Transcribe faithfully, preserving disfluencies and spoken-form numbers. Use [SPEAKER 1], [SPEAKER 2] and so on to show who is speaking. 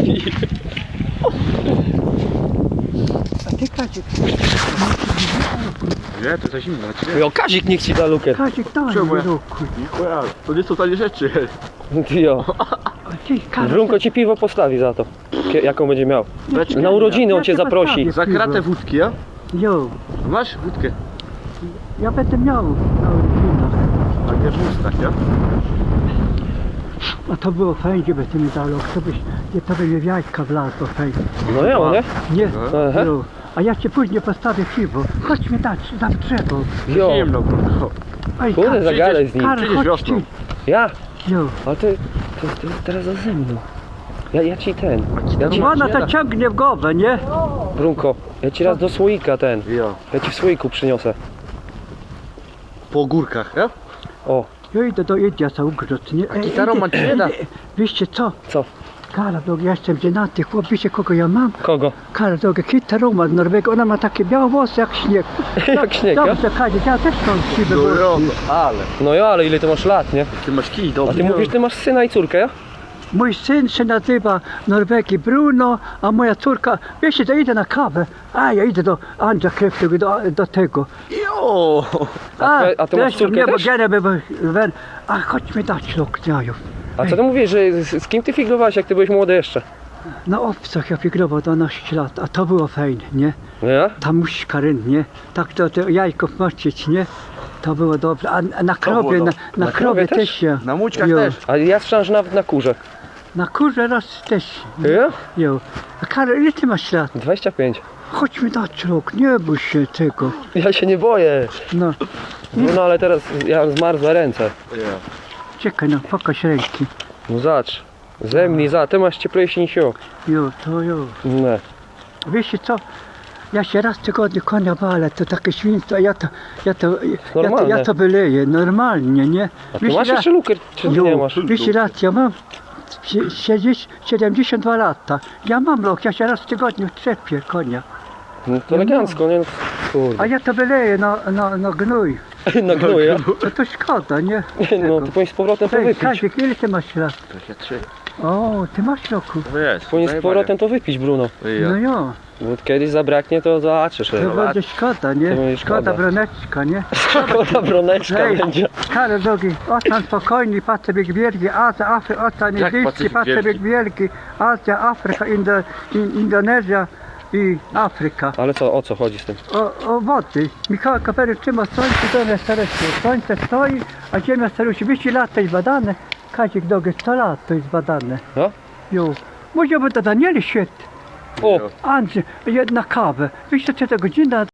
[SPEAKER 1] A ty, Kazik,
[SPEAKER 2] Nie, to za zimno.
[SPEAKER 3] Jo, Kazik niech ci da lukier.
[SPEAKER 1] Kazik, daj
[SPEAKER 2] Czemu
[SPEAKER 1] mi
[SPEAKER 2] ja?
[SPEAKER 1] ruku.
[SPEAKER 2] To nie są tanie rzeczy.
[SPEAKER 3] Jo.
[SPEAKER 1] A ty, Kazik,
[SPEAKER 3] Brunko ci piwo postawi za to. Kie- Jaką będzie miał.
[SPEAKER 2] Beczkę.
[SPEAKER 3] Na urodziny on
[SPEAKER 1] Ja
[SPEAKER 3] cię
[SPEAKER 1] cię
[SPEAKER 3] zaprosi.
[SPEAKER 1] postawię.
[SPEAKER 2] Za kratę wódki, ja?
[SPEAKER 1] Jo,
[SPEAKER 2] Masz wódkę?
[SPEAKER 1] ja będę miał na urodzinach.
[SPEAKER 2] A nie w ustach, ja?
[SPEAKER 1] A to było fajnie, by ty mi dał, to byś, nie, to by mnie w jajka wlazło fajnie.
[SPEAKER 3] No ja, nie?
[SPEAKER 1] Nie,
[SPEAKER 3] Aha.
[SPEAKER 1] jo. A ja ci później postawię piwo. Chodź mi dać, za drzewo.
[SPEAKER 3] Jo.
[SPEAKER 2] Zimno, bro.
[SPEAKER 1] Ej,
[SPEAKER 3] Kurde,
[SPEAKER 1] Karol,
[SPEAKER 3] zagadaj z nim.
[SPEAKER 1] Karol,
[SPEAKER 2] Przyjdziesz
[SPEAKER 1] chodź
[SPEAKER 2] wiosną.
[SPEAKER 1] ty.
[SPEAKER 3] Ja?
[SPEAKER 1] Jo.
[SPEAKER 3] Ale ty, ty, ty teraz ze mną. Ja, ja ci ten. Ja ci,
[SPEAKER 1] No ona to ciągnie w głowę, nie?
[SPEAKER 3] Brunko, ja ci raz do słoika ten.
[SPEAKER 2] Ja.
[SPEAKER 3] Ja ci w słoiku przyniosę.
[SPEAKER 2] Po górkach, ja?
[SPEAKER 3] O,
[SPEAKER 1] Ja idę do Idiasa ugrzeć, nie? Ej,
[SPEAKER 2] gitarą
[SPEAKER 1] idę-
[SPEAKER 2] man ci nie da.
[SPEAKER 1] idę- Wiecie co?
[SPEAKER 3] co?
[SPEAKER 1] Karol, drogi, ja jestem żenaty, chłop, wiecie kogo ja mam?
[SPEAKER 3] Kogo?
[SPEAKER 1] Karol, drogi, gitarą ma z Norwegii, ona ma takie białe włosy jak śnieg.
[SPEAKER 3] Jak śnieg, a?
[SPEAKER 1] Dobrze, Kazik, ja też mam siwe
[SPEAKER 2] No
[SPEAKER 1] włosy.
[SPEAKER 2] jo, ale.
[SPEAKER 3] No ja, ale ile ty masz lat, nie?
[SPEAKER 2] Ty masz kij,
[SPEAKER 3] A
[SPEAKER 2] dobry.
[SPEAKER 3] ty mówisz, ty masz syna i córkę, ja?
[SPEAKER 1] Mój syn się nazywa Norwegii Bruno, a moja córka, wiecie, to idę na kawę, a ja idę do Andrza Kreftego, do, do tego.
[SPEAKER 2] Jo.
[SPEAKER 3] A ty- a ty masz
[SPEAKER 1] zresztą
[SPEAKER 3] córkę
[SPEAKER 1] nie, bo
[SPEAKER 3] też?
[SPEAKER 1] gene by, by, a chodź mi dać luk jajów.
[SPEAKER 3] A co ty mówisz, że z, z kim ty figlowałeś, jak ty byłeś młody jeszcze?
[SPEAKER 1] Na obcach ja figrował dwanaście lat, a to było fajne, nie?
[SPEAKER 3] No ja?
[SPEAKER 1] Ta muśka ryn, nie? Tak to, to jajków moczyć, nie? To było dobre, a, a na krowie,
[SPEAKER 2] było
[SPEAKER 1] na,
[SPEAKER 2] dobre.
[SPEAKER 1] na,
[SPEAKER 3] Na
[SPEAKER 1] krowie
[SPEAKER 3] krowie
[SPEAKER 1] też
[SPEAKER 3] też?
[SPEAKER 1] się.
[SPEAKER 2] Na mućkach
[SPEAKER 1] Jo.
[SPEAKER 2] też.
[SPEAKER 3] A ja słyszałem, że nawet na kurze.
[SPEAKER 1] Na kurze raz też.
[SPEAKER 3] Ja?
[SPEAKER 1] Jo. A Karol, ile ty masz lat?
[SPEAKER 3] dwadzieścia pięć.
[SPEAKER 1] Chodź mi dać luk, nie bój się tego.
[SPEAKER 3] Ja się nie boję.
[SPEAKER 1] No,
[SPEAKER 3] No, no ale teraz ja mam zmarzłe ręce.
[SPEAKER 2] Ja.
[SPEAKER 1] czekaj, no, pokaż ręki.
[SPEAKER 3] No zacz. Zemnij za, ty masz cieplejszy niż ja.
[SPEAKER 1] Jo, to jo.
[SPEAKER 3] Nie.
[SPEAKER 1] Wiecie co? Ja się raz w tygodniu konia walę, to takie świństwo, ja to, ja to, ja to,
[SPEAKER 3] Normalne.
[SPEAKER 1] ja to wyleję, normalnie, nie?
[SPEAKER 3] A ty masz jeszcze lukier, czy
[SPEAKER 1] Jo,
[SPEAKER 3] nie masz?
[SPEAKER 1] wiesz raz, ja mam sie- siedzieć siedemdziesiąt dwa lata. Ja mam lok, ja się raz w tygodniu trzepię konia.
[SPEAKER 3] No to elegancko, nie? No,
[SPEAKER 1] A
[SPEAKER 3] kurde.
[SPEAKER 1] ja to wyleję na, na, na gnój.
[SPEAKER 3] Na gnuja.
[SPEAKER 1] To to szkoda, nie?
[SPEAKER 3] No ty powinieneś z powrotem to
[SPEAKER 1] Ej,
[SPEAKER 3] wypić.
[SPEAKER 1] Kazik, ile ty masz lat?
[SPEAKER 2] To się trzy.
[SPEAKER 1] O, ty masz loku.
[SPEAKER 2] To jest.
[SPEAKER 3] Powinieneś z powrotem to wypić, Bruno.
[SPEAKER 1] No
[SPEAKER 2] Ja.
[SPEAKER 1] jo,
[SPEAKER 3] Bo kiedyś zabraknie, to zobaczysz.
[SPEAKER 1] to
[SPEAKER 3] ej.
[SPEAKER 1] będzie szkoda, nie?
[SPEAKER 3] To będzie
[SPEAKER 1] Szkoda
[SPEAKER 3] szkoda.
[SPEAKER 1] broneczka, nie?
[SPEAKER 3] Szkoda broneczka
[SPEAKER 1] Ej,
[SPEAKER 3] będzie.
[SPEAKER 1] Karol drogi, ocean spokojny, Pacyfik Wielki, Azja, Afryka, Ocean
[SPEAKER 2] Jak
[SPEAKER 1] Indyjski,
[SPEAKER 2] Pacyfik
[SPEAKER 1] Pacyfik Wielki, Azja, Afryka, Indo, in, Indonezja i Afryka.
[SPEAKER 3] Ale co, o co chodzi z tym?
[SPEAKER 1] O, o wody. Michał Kopernik trzyma słońce, ziemia stara się. Słońce stoi, a ziemia stara się. dwieście lat to jest badane. Kazik drogi, sto lat to jest badane.
[SPEAKER 3] No?
[SPEAKER 1] Jo. Może by to Danieli świetnie.
[SPEAKER 3] O!
[SPEAKER 1] Andrzej, jedna kawę. dwieście trzydzieści godzina.